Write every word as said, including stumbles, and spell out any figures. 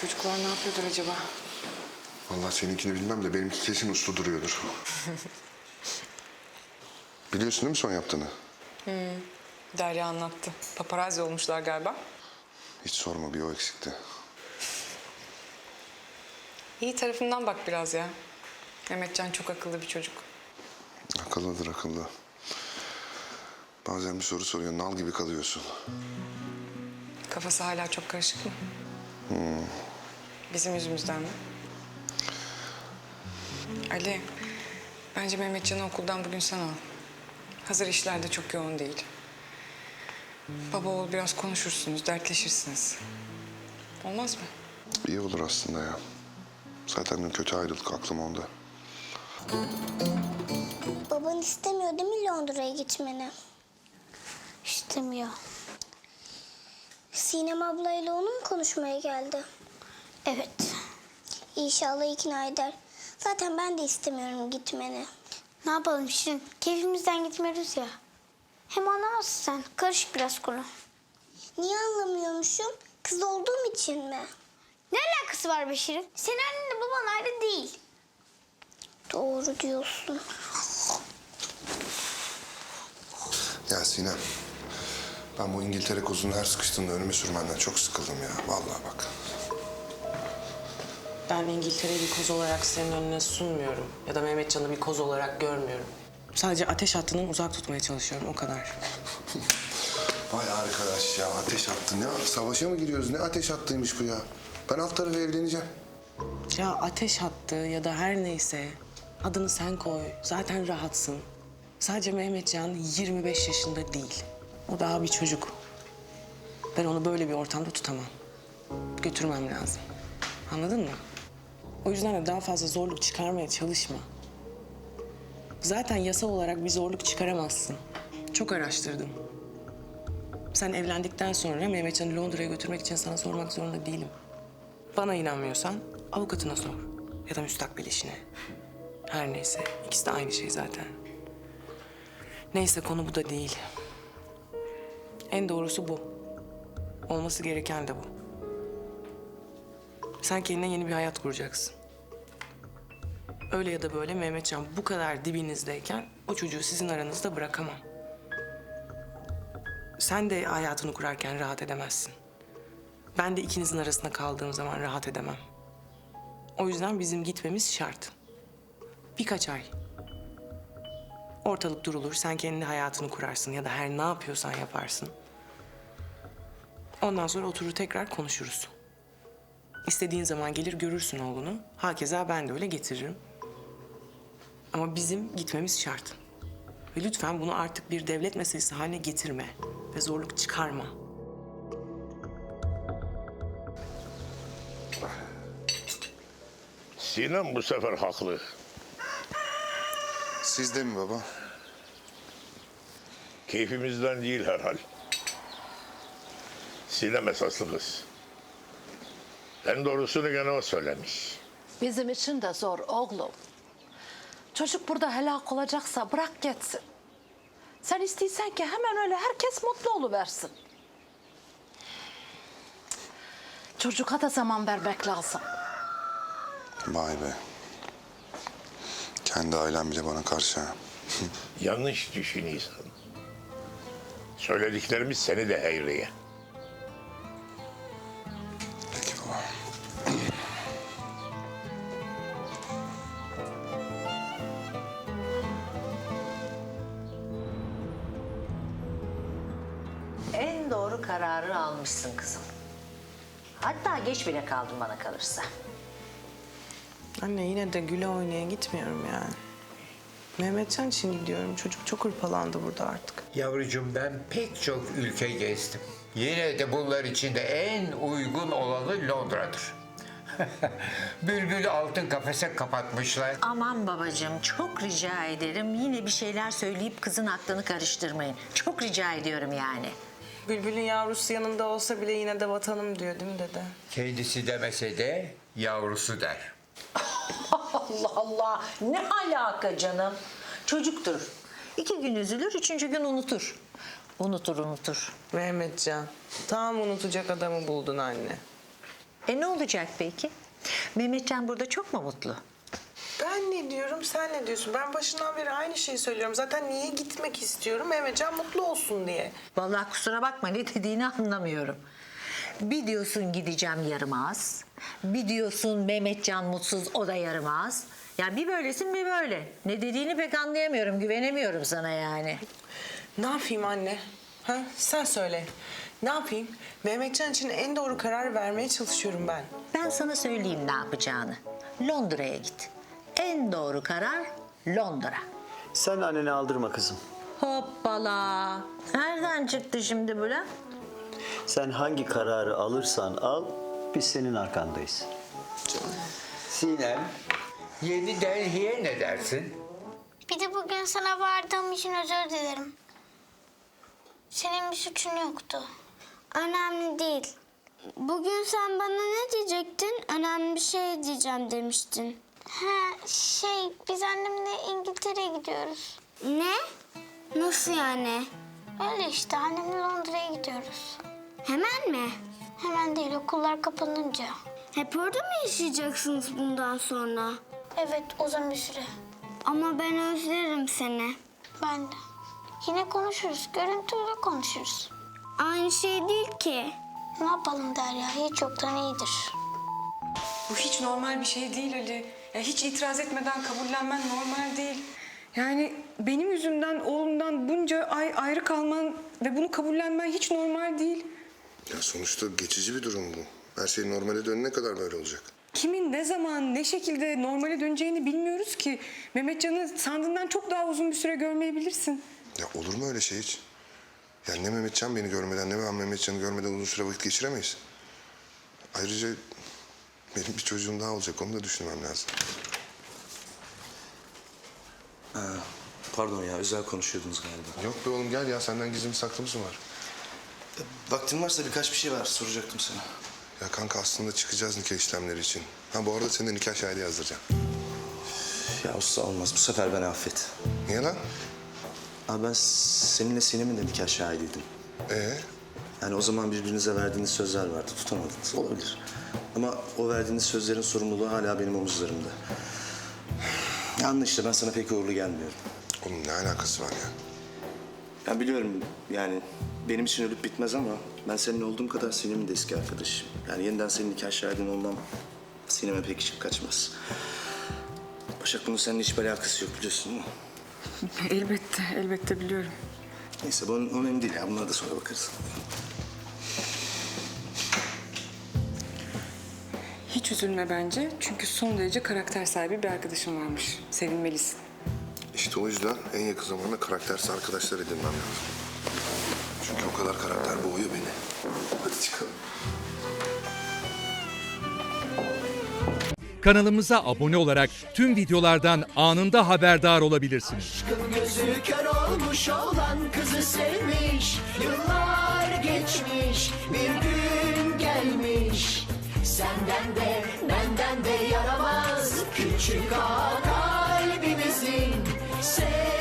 Çocuklar ne yapıyordur acaba? Vallahi seninkini bilmem de benimki kesin uslu duruyordur. Biliyorsun değil mi son yaptığını? Derya anlattı. Paparazzi olmuşlar galiba. Hiç sorma, bir o eksikti. İyi tarafından bak biraz ya. Mehmetcan çok akıllı bir çocuk. Akıllıdır akıllı. Bazen bir soru soruyor, nal gibi kalıyorsun. Kafası hala çok karışık mı? Bizim yüzümüzden mi? Ali, bence Mehmetcan'ı okuldan bugün sen al. Hazır işlerde çok yoğun değil. Baba oğul biraz konuşursunuz, dertleşirsiniz. Olmaz mı? İyi olur aslında ya. Zaten dün kötü ayrıldık, aklım onda. Baban istemiyor değil mi Londra'ya gitmeni? İstemiyor. Sinem ablayla onu mu konuşmaya geldi? Evet. İnşallah ikna eder. Zaten ben de istemiyorum gitmeni. Ne yapalım Şirin? Keyfimizden gitmiyoruz ya. Hem anlamazsın sen. Karışık biraz konu. Niye anlamıyormuşum? Kız olduğum için mi? Ne alakası var be Şirin? Senin annenle baban ayrı değil. Doğru diyorsun. Ya Sinem, ben bu İngiltere kozunu her sıkıştığında önüme sürmenden çok sıkıldım ya. Vallahi bak. Ben İngiltere'yi bir koz olarak senin önüne sunmuyorum. Ya da Mehmetcan'ı bir koz olarak görmüyorum. Sadece ateş hattından uzak tutmaya çalışıyorum, o kadar. Vay arkadaş ya, ateş attın ya. Savaşa mı giriyoruz? Ne ateş hattıymış bu ya? Ben alt tarafı evleneceğim. Ya ateş hattı ya da her neyse adını sen koy. Zaten rahatsın. Sadece Mehmetcan yirmi beş yaşında değil. O daha bir çocuk. Ben onu böyle bir ortamda tutamam. Götürmem lazım. Anladın mı? O yüzden de daha fazla zorluk çıkarmaya çalışma. Zaten yasal olarak bir zorluk çıkaramazsın. Çok araştırdım. Sen evlendikten sonra Mehmetcan'ı Londra'ya götürmek için sana sormak zorunda değilim. Bana inanmıyorsan avukatına sor. Ya da müstakbel eşine. Her neyse. İkisi de aynı şey zaten. Neyse, konu bu da değil. En doğrusu bu. Olması gereken de bu. Sen kendine yeni bir hayat kuracaksın. Öyle ya da böyle Mehmetcan bu kadar dibinizdeyken o çocuğu sizin aranızda bırakamam. Sen de hayatını kurarken rahat edemezsin. Ben de ikinizin arasında kaldığım zaman rahat edemem. O yüzden bizim gitmemiz şart. Birkaç ay. Ortalık durulur, sen kendi hayatını kurarsın ya da her ne yapıyorsan yaparsın. Ondan sonra oturur tekrar konuşuruz. İstediğin zaman gelir görürsün oğlunu. Hakeza ben de öyle getiririm. Ama bizim gitmemiz şart. Ve lütfen bunu artık bir devlet meselesi haline getirme. Ve zorluk çıkarma. Sinem bu sefer haklı. Siz de mi baba? Keyfimizden değil herhal. Sinem esaslı kız. En doğrusunu gene o söylemiş. Bizim için de zor oğlum. Çocuk burada helak olacaksa bırak gitsin. Sen istiyorsan ki hemen öyle herkes mutlu oluversin. Çocuğa da zaman vermek lazım. Vay be. Kendi ailem bile bana karşı ha. Yanlış düşünüyorsun. Söylediklerimiz seni de heyriye. Peki baba. En doğru kararı almışsın kızım. Hatta geç bile kaldın bana kalırsa. Anne, yine de güle oynaya gitmiyorum yani. Mehmetcan için gidiyorum. Çocuk çok hırpalandı burada artık. Yavrucuğum, ben pek çok ülke gezdim. Yine de bunlar içinde en uygun olanı Londra'dır. Bülbül altın kafese kapatmışlar. Aman babacığım, çok rica ederim. Yine bir şeyler söyleyip kızın aklını karıştırmayın. Çok rica ediyorum yani. Bülbül'ün yavrusu yanında olsa bile yine de vatanım diyor değil mi dede? Kendisi demese de yavrusu der. Allah Allah, ne alaka canım? Çocuktur. İki gün üzülür, üçüncü gün unutur. Unutur, unutur. Mehmetcan, tam unutacak adamı buldun anne. E ne olacak peki? Mehmetcan burada çok mu mutlu? Ben ne diyorum, sen ne diyorsun? Ben başından beri aynı şeyi söylüyorum. Zaten niye gitmek istiyorum? Mehmetcan mutlu olsun diye. Vallahi kusura bakma ne dediğini anlamıyorum. Bir diyorsun gideceğim yaramaz. Bir diyorsun Mehmetcan mutsuz, o da yaramaz. Yani bir böylesin bir böyle. Ne dediğini pek anlayamıyorum, güvenemiyorum sana yani. Ne yapayım anne? Ha? Sen söyle. Ne yapayım? Mehmetcan için en doğru karar vermeye çalışıyorum ben. Ben sana söyleyeyim ne yapacağını. Londra'ya git. En doğru karar Londra. Sen anneni aldırma kızım. Hoppala. Nereden çıktı şimdi bu lan? Sen hangi kararı alırsan al, biz senin arkandayız. Sinem, Yeni Delhi'ye ne dersin? Bir de bugün sana vardığım için özür dilerim. Senin bir suçun yoktu. Önemli değil. Bugün sen bana ne diyecektin? Önemli bir şey diyeceğim demiştin. Ha şey biz annemle İngiltere'ye gidiyoruz. Ne? Nasıl yani? Öyle işte annemle Londra'ya gidiyoruz. Hemen mi? Hemen değil okullar kapanınca. Hep orada mı yaşayacaksınız bundan sonra? Evet uzun bir süre. Ama ben özlerim seni. Ben de. Yine konuşuruz. Görüntüyle konuşuruz. Aynı şey değil ki. Ne yapalım Derya? Hiç yoktan iyidir. Bu hiç normal bir şey değil Ali. Ya hiç itiraz etmeden kabullenmen normal değil. Yani benim yüzümden oğlumdan bunca ay ayrı kalman ve bunu kabullenmen hiç normal değil. Ya sonuçta geçici bir durum bu. Her şey normale dönene kadar böyle olacak. Kimin ne zaman ne şekilde normale döneceğini bilmiyoruz ki. Mehmetcan'ı sandığından çok daha uzun bir süre görmeyebilirsin. Ya olur mu öyle şey hiç? Ya ne Mehmetcan beni görmeden ne ben Mehmetcan'ı görmeden uzun süre vakit geçiremeyiz. Ayrıca benim bir çocuğum daha olacak. Onu da düşünmem lazım. Pardon ya, özel konuşuyordunuz galiba. Yok be oğlum gel ya. Senden gizli bir saklımız mı var? Vaktin varsa birkaç bir şey var, soracaktım sana. Ya kanka aslında çıkacağız nikah işlemleri için. Ha bu arada senin de nikah şahidi yazdıracağım. Ya usta olmaz, bu sefer beni affet. Niye lan? Abi ben seninle Sinem'in de nikah şahidiydim. Ee? Yani o zaman birbirinize verdiğiniz sözler vardı, tutamadınız. Olabilir. Ama o verdiğiniz sözlerin sorumluluğu hala benim omuzlarımda. Ya anla işte, ben sana pek uğurlu gelmiyorum. Oğlum ne alakası var ya? Ya biliyorum yani benim için ölüp bitmez ama ben senin olduğum kadar Sinem'in de eski arkadaşım. Yani yeniden senin nikah şahidin olmam Sinem'e pek işim kaçmaz. Başak bunun seninle hiçbir alakası yok biliyorsun değil mi? Elbette, elbette biliyorum. Neyse bu önemli değil ya, bunlara da sonra bakarız. Hiç üzülme bence. Çünkü son derece karakter sahibi bir arkadaşım varmış. Sevinmelisin. İşte o yüzden en yakın zamanda karaktersiz arkadaşlar edinmem lazım. Çünkü o kadar karakter boğuyor beni. Hadi çıkalım. Kanalımıza abone olarak tüm videolardan anında haberdar olabilirsiniz. Aşkın gözü kör olmuş olan kızı sevmiş. Yıllar geçmiş, bir gün gelmiş. Senden de benden de yaramaz küçük ağa kalbimizin. Sev